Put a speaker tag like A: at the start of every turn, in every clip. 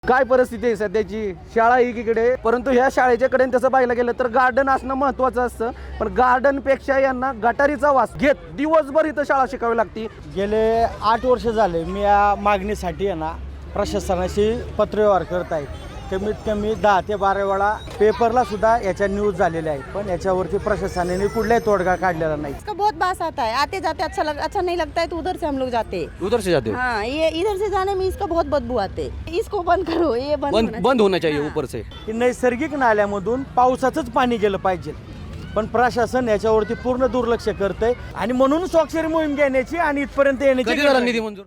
A: काय परिस्थिती आहे सध्याची? शाळा एकीकडे, परंतु ह्या शाळेच्या कडे तसं पाहायला गेलं तर गार्डन असणं महत्त्वाचं असतं, पण गार्डनपेक्षा यांना गटारीचा वास घेत दिवसभर इथं शाळा शिकावी लागती।
B: गेले 8 वर्ष झाले मी या मागणीसाठी आहे ना प्रशासनाशी पत्रव्यवहार करत आहे। कमीत कमी 10 ते 12 वेळा पेपरला सुद्धा याच्या न्यूज झालेल्या आहेत, पण याच्यावरती प्रशासनाने कुठलाही तोडगा काढलेला नाही।
C: इसका बहुत बास आता है, आते जाते अच्छा नहीं लगता है तो उधर से हम लोग जाते हैं।
A: उधर से जाते हो?
C: हाँ, ये इधर से जाने में इसका बहुत बदबू आते है। इसको बंद करो, ये
A: बंद होना चाहिए ऊपर से।
B: की नैसर्गिक नाल्यामधून पावसाचंच पाणी गेलं पाहिजे, पण प्रशासन याच्यावरती पूर्ण दुर्लक्ष करतंय आणि म्हणून स्वाक्षरी मोहीम घेण्याची आणि इथपर्यंत येण्याची
A: कधी झाला निधी मंजूर?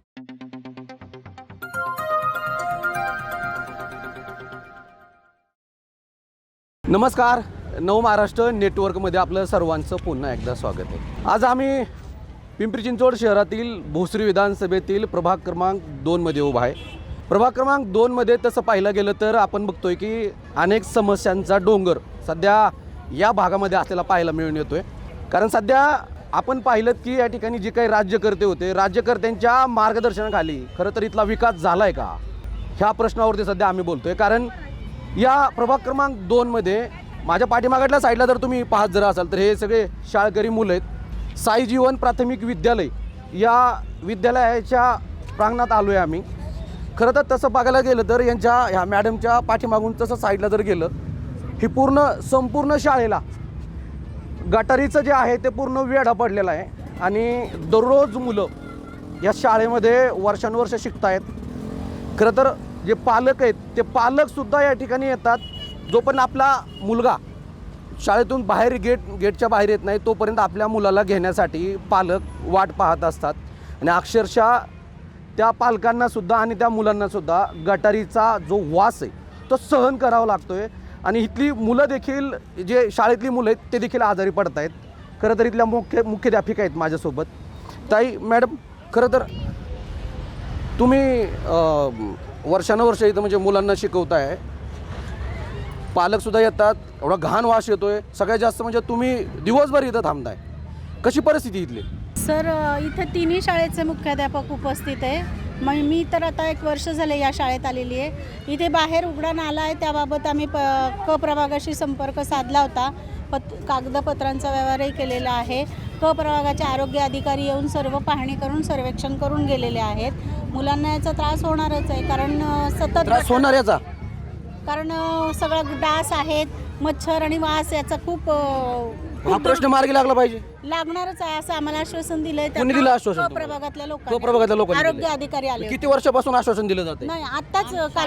A: नमस्कार, नव महाराष्ट्र नेटवर्कमध्ये आपलं सर्वांचं पुन्हा एकदा स्वागत आहे। आज आम्ही पिंपरी चिंचवड शहरातील भोसरी विधानसभेतील प्रभाग क्रमांक 2 मध्ये उभा आहे। प्रभाग क्रमांक 2 मध्ये तसं पाहिलं गेलं तर आपण बघतोय की अनेक समस्यांचा डोंगर सध्या या भागामध्ये असलेला पाहायला मिळून येतोय। कारण सध्या आपण पाहिलं की या ठिकाणी जे काही राज्यकर्ते होते, राज्यकर्त्यांच्या मार्गदर्शनाखाली खरं तर इथला विकास झालाय का, ह्या प्रश्नावरती सध्या आम्ही बोलतोय। कारण या प्रभाग क्रमांक 2 मध्ये माझ्या पाठीमागच्या साईडला जर तुम्ही पाहत जर असाल तर हे सगळे शाळकरी मुलं आहेत। साई जीवन प्राथमिक विद्यालय या विद्यालयाच्या प्रांगणात आलो आहे आम्ही। खरं तर तसं बघायला गेलं तर यांच्या ह्या मॅडमच्या पाठीमागून तसं साईडला जर गेलं, ही संपूर्ण शाळेला गटारीचं जे आहे ते पूर्ण वेढा पडलेला आहे आणि दररोज मुलं या शाळेमध्ये वर्षानुवर्ष शिकत आहेत। खरं तर जे पालक आहेत ते पालकसुद्धा या ठिकाणी येतात। जोपर्यंत आपला मुलगा शाळेतून गेटच्या बाहेर येत नाही तोपर्यंत आपल्या मुलाला घेण्यासाठी पालक वाट पाहत असतात आणि अक्षरशः त्या पालकांनासुद्धा आणि त्या मुलांनासुद्धा गटारीचा जो वास आहे तो सहन करावा लागतो आहे आणि इथली मुलं देखील, जे शाळेतली मुलं आहेत ते देखील आजारी पडत आहेत। खरं तर इथल्या मुख्याध्यापिका आहेत माझ्यासोबत। ताई मॅडम, खरं तर तुम्ही वर्षानुवर्ष इथं म्हणजे मुलांना शिकवताय, पालकसुद्धा येतात, एवढा घाण वास येतोय, सगळ्यात जास्त म्हणजे तुम्ही दिवसभर इथं थांबताय, कशी परिस्थिती इथली?
D: सर, इथे तिन्ही शाळेचे मुख्याध्यापक उपस्थित आहे। मी तर आता 1 वर्ष झाले या शाळेत आलेली आहे। इथे बाहेर उघडा नाला आहे, त्याबाबत आम्ही क प्रभागाशी संपर्क साधला होता, कागदपत्रांचा व्यवहारही केलेला आहे। क प्रभागाचे आरोग्य अधिकारी येऊन सर्व पाहणी करून सर्वेक्षण करून गेलेले आहेत। मुलांना याचा त्रास होणारच आहे, कारण सतत
A: त्रास होणार याचा,
D: कारण सगळं डास आहेत, मच्छर आणि वास याचा खूप
A: हा प्रश्न मार्गी लागला पाहिजे,
D: लागणारच आहे असं आम्हाला आश्वासन दिलंय।
A: कोणी दिलं आश्वासन?
D: प्रभागातल्या
A: प्रभागातल्या लोकांनी
D: आरोग्य अधिकारी आले।
A: किती वर्षापासून आश्वासन दिलं जाते?
D: नाही, आताच काल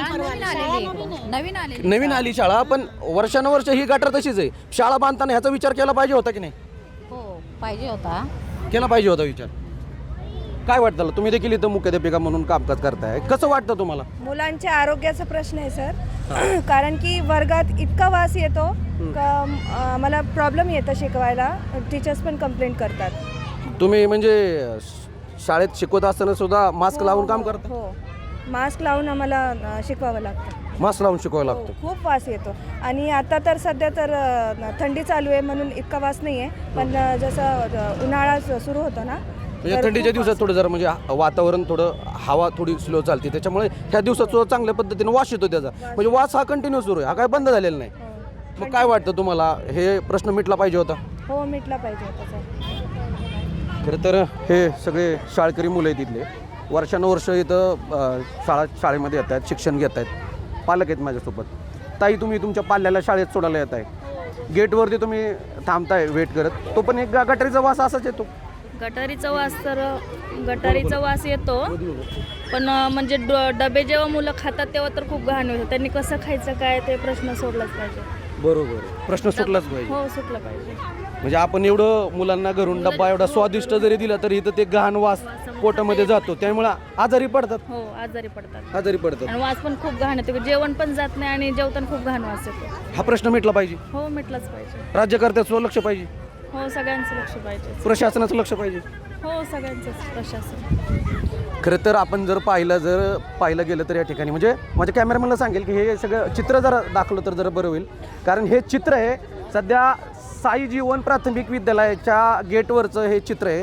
A: नवीन आली शाळा, पण वर्षानुवर्ष ही गटर तशीच आहे। शाळा बांधताना ह्याचा विचार केला पाहिजे होता की नाही?
D: हो, पाहिजे होता,
A: केला पाहिजे होता विचार। काय वाटतं, तुम्ही देखील इथं मुख्याध्यापिका म्हणून कामकाज करताय, कसं वाटतं तुम्हाला?
E: मुलांच्या आरोग्याचा प्रश्न आहे सर, कारण की वर्गात इतका वास येतो का मला प्रॉब्लेम येतं शिकवायला, टीचर्स पण कंप्लेंट करतात।
A: तुम्ही म्हणजे शाळेत शिकवत असताना सुद्धा मास्क लावून काम करता?
E: हो, मास्क लावून आम्हाला शिकवावं लागतं।
A: मास्क लावून शिकवावं लागतं?
E: खूप वास येतो आणि आता तर सध्या तर थंडी चालू आहे म्हणून इतका वास नाही आहे, पण जसं उन्हाळा सुरू होतो ना,
A: म्हणजे थंडीच्या दिवसात थोडं जरा म्हणजे वातावरण थोडं, हवा थोडी स्लो चालते, त्याच्यामुळे ह्या दिवसात सुद्धा चांगल्या पद्धतीने वास येतो त्याचा, म्हणजे वास हा कंटिन्यू सुरू आहे, हा काय बंद झालेला नाही। मग काय वाटतं तुम्हाला, हे प्रश्न मिटला पाहिजे होता?
E: हो, मिटला पाहिजे होता सर।
A: खरं तर हे सगळे शाळकरी मुलं आहेत इथले, वर्षानुवर्ष इथं शाळेमध्ये येत आहेत, शिक्षण घेत आहेत, पालक आहेत माझ्यासोबत। ताई, तुम्ही तुमच्या पाल्याला शाळेत सोडायला येत आहे, गेटवरती तुम्ही थांबताय वेट करत, तो पण एक गटारीचा वास असाच येतो?
F: गटारीचा वास येतो, पण म्हणजे डबे जेव्हा मुलं खातात तेव्हा तर खूप घाण होतं, त्यांनी कसं खायचं काय ते प्रश्न सोडलाच पाहिजे।
A: बरोबर, प्रश्न सुटलाच पाहिजे।
F: हो, सुटला पाहिजे।
A: म्हणजे आपण एवढं मुलांना घरून डब्बा एवढा स्वादिष्ट जरी दिला तरी इथं ते घाण वास पोटामध्ये जातो, त्यामुळे आजारी पडतात।
F: हो, आजारी पडतात
A: आणि
F: वास पण खूप घाण येतो, जेवण पण जात नाही आणि जेवताना खूप घाण वास येतो।
A: हा प्रश्न मिटला पाहिजे।
F: हो, मिटलाच पाहिजे।
A: राज्यकर्त्याचं लक्ष पाहिजे,
F: हो, सगळ्यांचं लक्ष पाहिजे,
A: प्रशासनाचं लक्ष पाहिजे,
F: हो, सगळ्यांचंच प्रशासन।
A: खरं तर आपण जर पाहिलं गेलं तर या ठिकाणी म्हणजे माझ्या कॅमेरामॅनला सांगेल की हे सगळं चित्र जर दाखवलं तर जरा बरं होईल। कारण हे चित्र आहे सध्या साई जीवन प्राथमिक विद्यालयाच्या गेटवरचं हे चित्र आहे।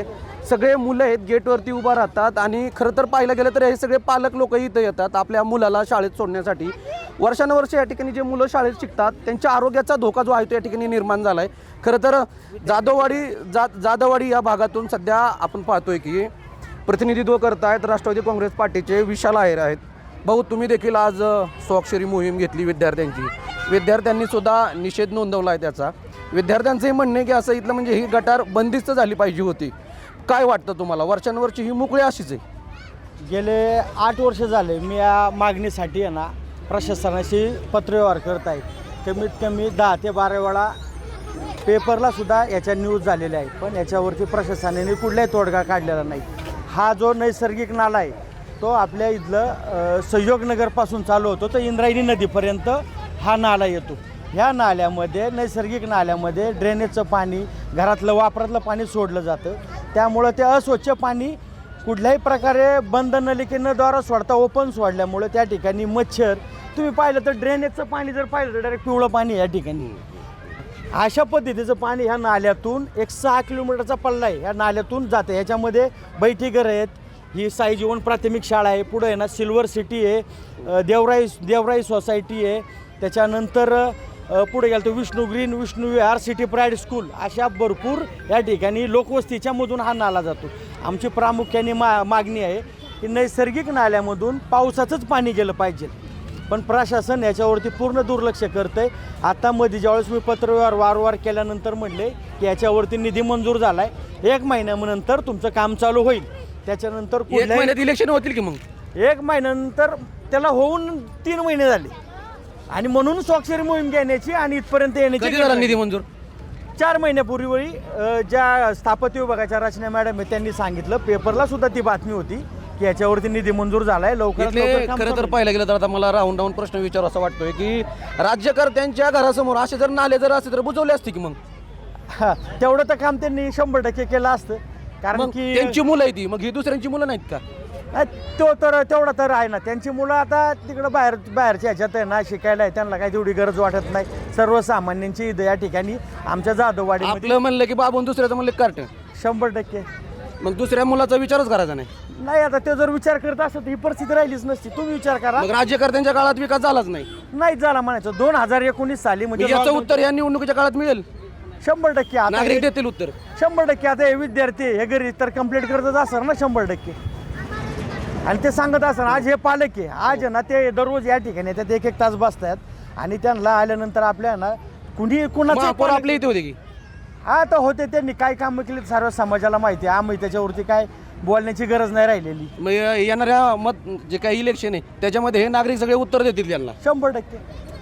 A: सगळे मुलं आहेत गेटवरती उभा राहतात आणि खरं तर पाहायला गेलं तर हे सगळे पालक लोक इथं येतात आपल्या मुलाला शाळेत सोडण्यासाठी. वर्षानुवर्ष या ठिकाणी जे मुलं शाळेत शिकतात त्यांच्या आरोग्याचा धोका जो आहे तो या ठिकाणी निर्माण झाला आहे. खरं तर जाधववाडी या भागातून सध्या आपण पाहतोय की प्रतिनिधित्व करतायत राष्ट्रवादी काँग्रेस पार्टीचे विशाल आहेर आहेत. भाऊ, तुम्ही देखील आज स्वाक्षरी मोहीम घेतली विद्यार्थ्यांची. विद्यार्थ्यांनी सुद्धा निषेध नोंदवला आहे त्याचा. विद्यार्थ्यांचंही म्हणणं आहे की असं इथलं म्हणजे ही गटार बंदिस्त झाली पाहिजे होती. काय वाटतं तुम्हाला? वर्षानुवर्षी ही मोकळी अशीच आहे.
B: गेले 8 वर्ष झाले मी या मागणीसाठी आहे ना प्रशासनाशी पत्रव्यवहार करत आहे. कमीत कमी 10 ते 12 वेळा पेपरला सुद्धा याच्या न्यूज झालेल्या आहेत, पण याच्यावरती प्रशासनाने कुठलाही तोडगा काढलेला नाही. हा जो नैसर्गिक नाला आहे तो आपल्या इथलं सहयोगनगरपासून चालू होतो तर इंद्रायणी नदीपर्यंत हा नाला येतो. ह्या नाल्यामध्ये नैसर्गिक नाल्यामध्ये ड्रेनेजचं पाणी, घरातलं वापरातलं पाणी सोडलं जातं. त्यामुळं ते अस्वच्छ पाणी कुठल्याही प्रकारे बंद नलिकेद्वारा सोडता ओपन सोडल्यामुळे त्या ठिकाणी मच्छर, तुम्ही पाहिलं तर ड्रेनेजचं पाणी जर पाहिलं तर डायरेक्ट पिवळं पाणी या ठिकाणी. अशा पद्धतीचं पाणी ह्या नाल्यातून 6 किलोमीटरचा पल्ला आहे ह्या नाल्यातून जातं. ह्याच्यामध्ये बैठीघर आहेत, ही साई जीवन प्राथमिक शाळा आहे, पुढं आहे ना सिल्वर सिटी आहे, देवराई सोसायटी आहे, त्याच्यानंतर पुढे गेलं तर Vishnu Green, Vishnu Vihar, City Pride School, अशा भरपूर या ठिकाणी लोकवस्तीच्या मधून हा नाला जातो. आमची प्रामुख्याने मागणी आहे की नैसर्गिक नाल्यामधून पावसाचंच पाणी गेलं पाहिजे, पण प्रशासन याच्यावरती पूर्ण दुर्लक्ष करतं आहे. आता मध्ये ज्यावेळेस मी पत्रव्यवहार वारंवार केल्यानंतर म्हणले की याच्यावरती निधी मंजूर झाला आहे, 1 महिन्यानंतर तुमचं काम चालू होईल. त्याच्यानंतर
A: महिन्यात इलेक्शन होतील की मग
B: 1 महिन्यानंतर त्याला होऊन 3 महिने झाले आणि म्हणून स्वाक्षरी मोहीम घेण्याची आणि इथपर्यंत येण्याची
A: निधी मंजूर
B: 4 महिन्यापूर्वी ज्या स्थापत्य विभागाच्या रचना मॅडम आहे त्यांनी सांगितलं, पेपरला सुद्धा ती बातमी होती की याच्यावरती निधी मंजूर झाला आहे, लवकरात लवकर काम
A: खरं तर
B: करू.
A: पाहायला गेलं तर आता मला राऊंड प्रश्न विचार असा वाटतोय की राज्यकर्त्यांच्या घरासमोर असे जर नाले जर असते तर बुजवले असते की मग
B: हा, तेवढं तर काम त्यांनी 100% केलं असतं, कारण
A: मग
B: की
A: त्यांची मुलं आहे ती, मग ही दुसऱ्यांची मुलं नाहीत का?
B: तेवढं तर आहे ना. त्यांची मुलं आता तिकडं बाहेरच्या ह्याच्यात आहे ना शिकायला आहे, त्यांना काही तेवढी गरज वाटत नाही. सर्वसामान्यांची इथं या ठिकाणी आमच्या जाधववाडीमध्ये
A: आपलं म्हणलं की बाबून दुसऱ्याचं म्हणलं कार्ट
B: 100%.
A: मग दुसऱ्या मुलाचा विचारच करायचा नाही.
B: नाही, आता ते जर विचार करत असत तर ही परिस्थिती राहिलीच नसती. तुम्ही विचार करा,
A: मग राज्यकर्त्यांच्या काळात विकास झालाच नाही.
B: नाही झाला म्हणायचं. 2019 साली म्हणजे
A: याचं उत्तर या निवडणुकीच्या काळात मिळेल.
B: 100% आता
A: नागरिक देतील उत्तर.
B: 100% आता हे विद्यार्थी हे घरी तर कंप्लीट करतच असणार ना 100%. आणि ते सांगत असणार. आज हे पालक आहे, आज आहे ना ते दररोज या ठिकाणी येतात, 1-1 तास बसतात आणि त्यांना आल्यानंतर आपल्या ना कुणाचं
A: महापौर आपल्या इथे होते की
B: हा तर होते, त्यांनी काय कामं केली सर्व समाजाला माहिती आहे. आम्ही त्याच्यावरती काय बोलण्याची गरज नाही राहिलेली.
A: मग येणाऱ्या जे काही इलेक्शन आहे त्याच्यामध्ये हे नागरिक सगळे उत्तर देतील त्यांना
B: 100%.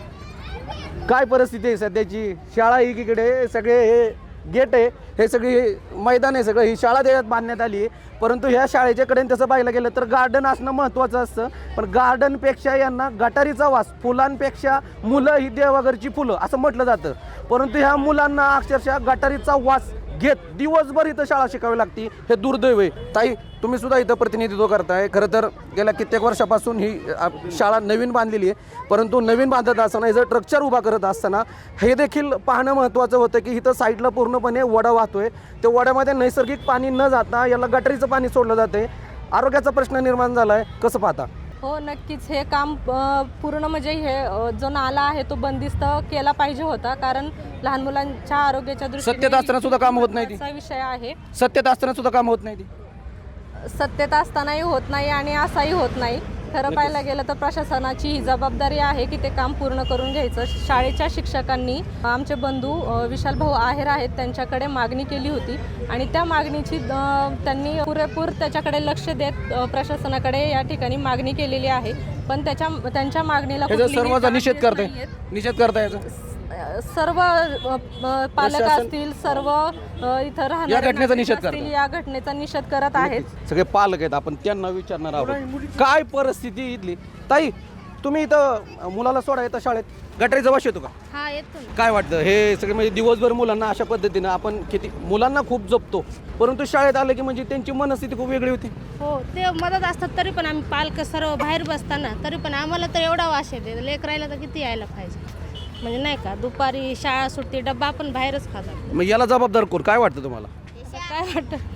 A: काय परिस्थिती आहे सध्याची. शाळा एकीकडे, सगळे हे गेट आहे, हे सगळी मैदान आहे, सगळं ही शाळा देण्यात बांधण्यात आली आहे. परंतु ह्या शाळेच्याकडे तसं पाहायला गेलं तर गार्डन असणं महत्त्वाचं असतं, पण गार्डनपेक्षा यांना गटारीचा वास, फुलांपेक्षा मुलं ही देवाघरची फुलं असं म्हटलं जातं. परंतु ह्या मुलांना अक्षरशः गटारीचा वास घेत दिवसभर इथं शाळा शिकावी लागते. हे दुर्दैव आहे. ताई, तुम्ही सुद्धा इथं प्रतिनिधित्व करताय. खरं तर गेल्या कित्येक वर्षापासून ही शाळा नवीन बांधलेली आहे, परंतु नवीन बांधत असताना इथं स्ट्रक्चर उभा करत असताना हे देखील पाहणं महत्त्वाचं होतं की इथं साईडला पूर्णपणे वडा वाहतोय. त्या वड्यामध्ये नैसर्गिक पाणी न जाता याला गटारीचं पाणी सोडलं जाते. आरोग्याचा प्रश्न निर्माण झाला आहे, कसं पाहता?
G: हो, नक्कीच हे काम पूर्ण म्हणजे हे जो नाला आहे तो बंदिस्त केला पाहिजे होता, कारण लहान मुलांच्या आरोग्याच्या दृष्टीने
A: सत्तेत असताना सुद्धा काम होत नाही ती.
G: महत्त्वाचा विषय आहे.
A: सत्तेत असताना सुद्धा काम होत नाही ती.
G: सत्तेत असतानाही होत नाही आणि असाही होत नाही. खरं पाहायला गेलं तर प्रशासनाची ही जबाबदारी आहे की ते काम पूर्ण करून घ्यायचं. शाळेच्या शिक्षकांनी आमचे बंधू विशाल भाऊ आहेर आहेत त्यांच्याकडे मागणी केली होती आणि त्या मागणीची त्यांनी पुरेपूर त्याच्याकडे लक्ष देत प्रशासनाकडे या ठिकाणी मागणी केलेली आहे, पण त्यांच्या मागणीला
A: सर्वांचा निषेध करताय. निषेध करताय
G: सर्व पालक असतील, सर्व इथं
A: या घटनेचा निषेध
G: राहणारे असतील, या घटनेचा निषेध करत आहेत.
A: सगळे पालक आहेत, आपण त्यांना विचारणार आहोत काय परिस्थिती इथली. ताई, तुम्ही इथं मुलाला सोडा येतं शाळेत, गटारीचा वास येतो का?
D: हा, येतो ना.
A: काय वाटतं हे सगळे म्हणजे दिवसभर मुलांना अशा पद्धतीनं आपण किती मुलांना खूप जपतो, परंतु शाळेत आलं की म्हणजे त्यांची मनस्थिती खूप वेगळी होती.
D: हो, ते मदत असतात तरी पण आम्ही पालक सर्व बाहेर बसताना तरी पण आम्हाला तर एवढा वास येते. लेकरायला तर किती यायला पाहिजे, म्हणजे नाही का, दुपारी शाळा सुटते, डब्बा आपण बाहेरच खातात.
A: मग याला जबाबदार कोण, काय वाटतं तुम्हाला?
D: असं काय वाटतं?
A: हा,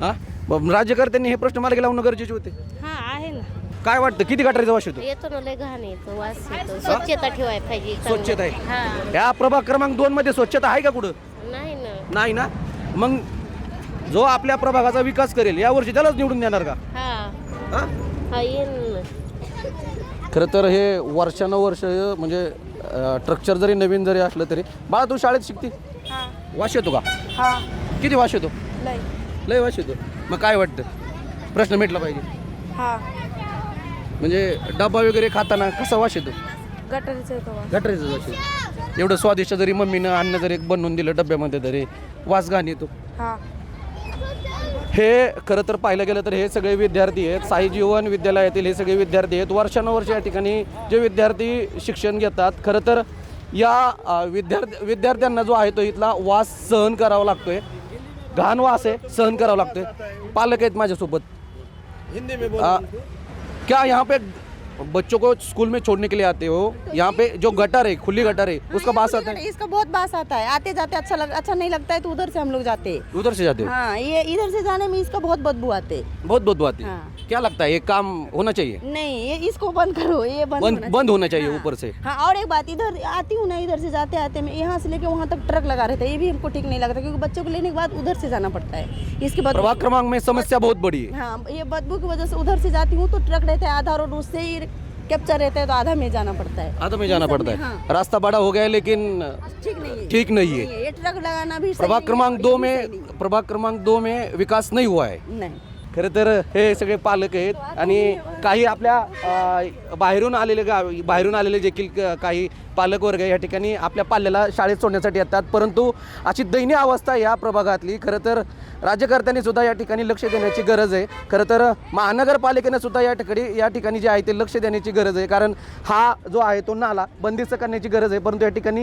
A: राज्यकर्त्यांनी हे प्रश्न मार्गी लावणं गरजेचे होते.
H: हा आहे ना.
A: काय वाटतं किती गटारीचा वास येतो?
H: येतो ना, लय घाण येतो, वास येतो. स्वच्छता ठेवायला पाहिजे.
A: स्वच्छता आहे.
H: हा
A: या प्रभाग क्रमांक 2 मध्ये स्वच्छता आहे का कुठं?
H: नाही ना.
A: नाही ना. मग जो आपल्या प्रभागाचा विकास करेल यावर्षी त्यालाच निवडून देणार का?
H: हा
A: हा?
H: हा येईन ना.
A: खरं तर हे वर्षानुवर्ष म्हणजे स्ट्रक्चर जरी नवीन जरी असलं तरी बाळा तू शाळेत शिकते, वास येतो का?
E: हां
A: किती वास येतो?
E: लय
A: लय वास येतो. मग काय वाटतं प्रश्न मिटला पाहिजे?
E: हां
A: म्हणजे डबा वगैरे खाताना कसा वास येतो?
E: गटारीचं येतो
A: गटरीचा वास येतो. एवढं स्वादिष्ट जरी मम्मीनं अन्न जरी बनवून दिलं डब्यामध्ये तरी वास घाण येतो.
E: हां
A: हे खरं तर पाहिलं गेलं तर हे सगळे विद्यार्थी आहेत, साई जीवन विद्यालयातील हे सगळे विद्यार्थी आहेत. वर्षानुवर्ष या ठिकाणी जे विद्यार्थी शिक्षण घेतात. खरं तर या विद्यार्थ्यांना जो आहे तो इथला वास सहन करावा लागतोय. घाण वास आहे, सहन करावा लागतोय. पालक आहेत माझ्यासोबत. क्या यहाँ पे बच्चों को स्कूल में छोड़ने के लिए आते हो? यहाँ पे जो गटर है, खुली गटर है, उसका बास आता है?
C: इसका बहुत बास आता है, आते जाते अच्छा नहीं लगता है तो उधर से हम लोग जाते हैं।
A: उधर से जाते हो?
C: हाँ, ये इधर से जाने में इसका बहुत बदबू आते।
A: बहुत बदबू आती है।
C: हाँ।
A: क्या लगता है ये काम होना चाहिए?
C: नहीं, ये इसको बंद करो, ये
A: बंद होना चाहिए ऊपर से।
C: हाँ, और एक बात, इधर आती हूँ ना, इधर से जाते आते मैं यहाँ से लेके वहाँ तक ट्रक लगा रहता है, ये भी हमको ठीक नहीं लगता क्योंकि बच्चों को लेने के बाद उधर से जाना पड़ता है। इसके बाद
A: प्रभाग क्रमांक में समस्या बहुत बड़ी है।
C: हाँ, ये बदबू की वजह से उधर से जाती हूँ तो ट्रक रहता है आधा रोड, उससे ही कैप्चर रहता है तो आधा में जाना पड़ता है।
A: आधा में जाना पड़ता है।
C: हाँ।
A: रास्ता बड़ा हो गया है लेकिन ठीक नहीं है।
C: ये ट्रक लगाना भी सही
A: प्रभाग
C: नहीं
A: क्रमांक
C: है,
A: 2
C: ये भी
A: में
C: सही नहीं
A: प्रभाग क्रमांक 2 में विकास नहीं हुआ है।
C: है। नहीं।
A: खरं तर हे सगळे पालक आहेत आणि काही आपल्या बाहेरून आलेले देखील काही पालक वर्ग या ठिकाणी आपल्या पाल्याला शाळेत सोडण्यासाठी येतात. परंतु अशी दयनीय अवस्था या प्रभागातली. खरं तर राज्यकर्त्यांनी सुद्धा या ठिकाणी लक्ष देण्याची गरज आहे. खरं तर महानगरपालिकेने सुद्धा या ठिकाणी जे आहे ते लक्ष देण्याची गरज आहे. कारण हा जो आहे तो नाला बंदिस्त करण्याची गरज आहे. परंतु या ठिकाणी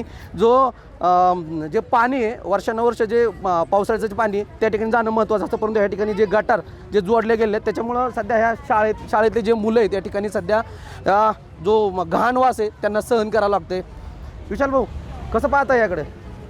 A: जे पाणी आहे वर्षानुवर्ष जे पावसाळ्याचं जे पाणी त्या ठिकाणी जाणं महत्त्वाचं असतं. परंतु या ठिकाणी जे गटार जे जोडले गेले आहेत त्याच्यामुळं सध्या ह्या शाळेतले जे मुलं आहेत त्या ठिकाणी सध्या जो घाण वास आहे त्यांना सहन करावं लागते. विशाल भाऊ कसं पाहता याकडे?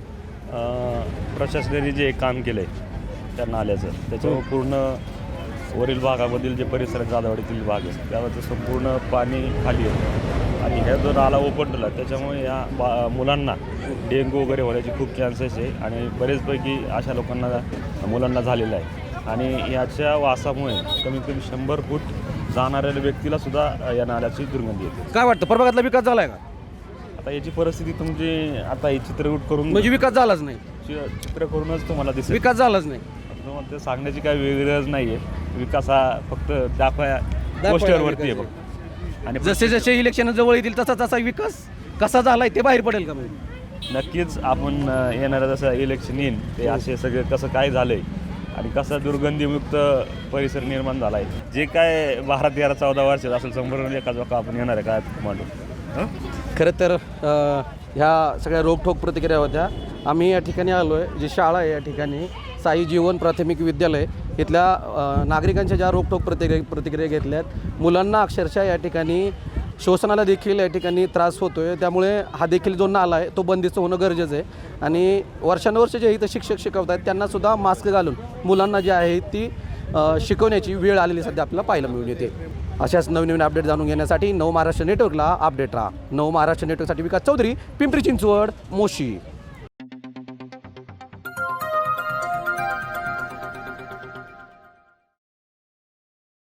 I: प्रशासनाने जे काम केलं आहे त्या नाल्याचं त्याच्यावर पूर्ण वरील भागामधील जे परिसर जाधववाडीतील भाग आहे त्यावर संपूर्ण पाणी खाली आहे आणि ह्या जो नाला ओपनला त्याच्यामुळे या मुलांना डेंग्यू वगैरे होण्याची खूप चान्सेस आहे आणि बरेचपैकी अशा मुलांना झालेलं आहे. आणि याच्या वासामुळे कमीत कमी 100 फूट जाणाऱ्या व्यक्तीला सुद्धा या नाल्याची दुर्गंधी येते.
A: काय वाटतं प्रभागातला विकास झालाय का?
I: आता याची परिस्थिती तुमची आता ही चित्रकूट करून
A: म्हणजे विकास झालाच नाही.
I: चित्र करूनच तुम्हाला दिसेल
A: विकास झालाच नाही.
I: तुम्हाला ते सांगण्याची काही गरज नाही आहे. विकास हा फक्त पोस्टरवरती आहे फक्त. आणि
A: जसे जसे इलेक्शन जवळ येतील तसा तसा विकास कसा झालाय ते बाहेर पडेल का?
I: नक्कीच आपण येणारं जसं इलेक्शन येईल ते असे सगळे कसं काय झालंय आणि कसा दुर्गंधीमुक्त परिसर निर्माण झाला आहे. जे काय 12-13-14 वर्षात असेल संपूर्ण एका जोका आपण येणार आहे काय मांडू.
A: खरं तर ह्या सगळ्या रोखोक प्रतिक्रिया होत्या. आम्ही या ठिकाणी आलो आहे जी शाळा आहे या ठिकाणी साई जीवन प्राथमिक विद्यालय इथल्या नागरिकांच्या ज्या रोखोक प्रतिक्रिया घेतल्यात. मुलांना अक्षरशः या ठिकाणी श्वसनाला देखील या ठिकाणी त्रास होतो आहे. त्यामुळे हा देखील जो नाला आहे तो बंदिस्त होणं गरजेचं आहे. आणि वर्षानुवर्ष जे इथं शिक्षक शिकवत आहेत त्यांनासुद्धा मास्क घालून मुलांना जी आहे ती शिकवण्याची वेळ आलेली सध्या आपल्याला पाहायला मिळून येते. अशाच नवीन अपडेट जाणून घेण्यासाठी नव महाराष्ट्र नेटवर्कला अपडेट राहा. नव महाराष्ट्र नेटवर्कसाठी विकास चौधरी, पिंपरी चिंचवड, मोशी.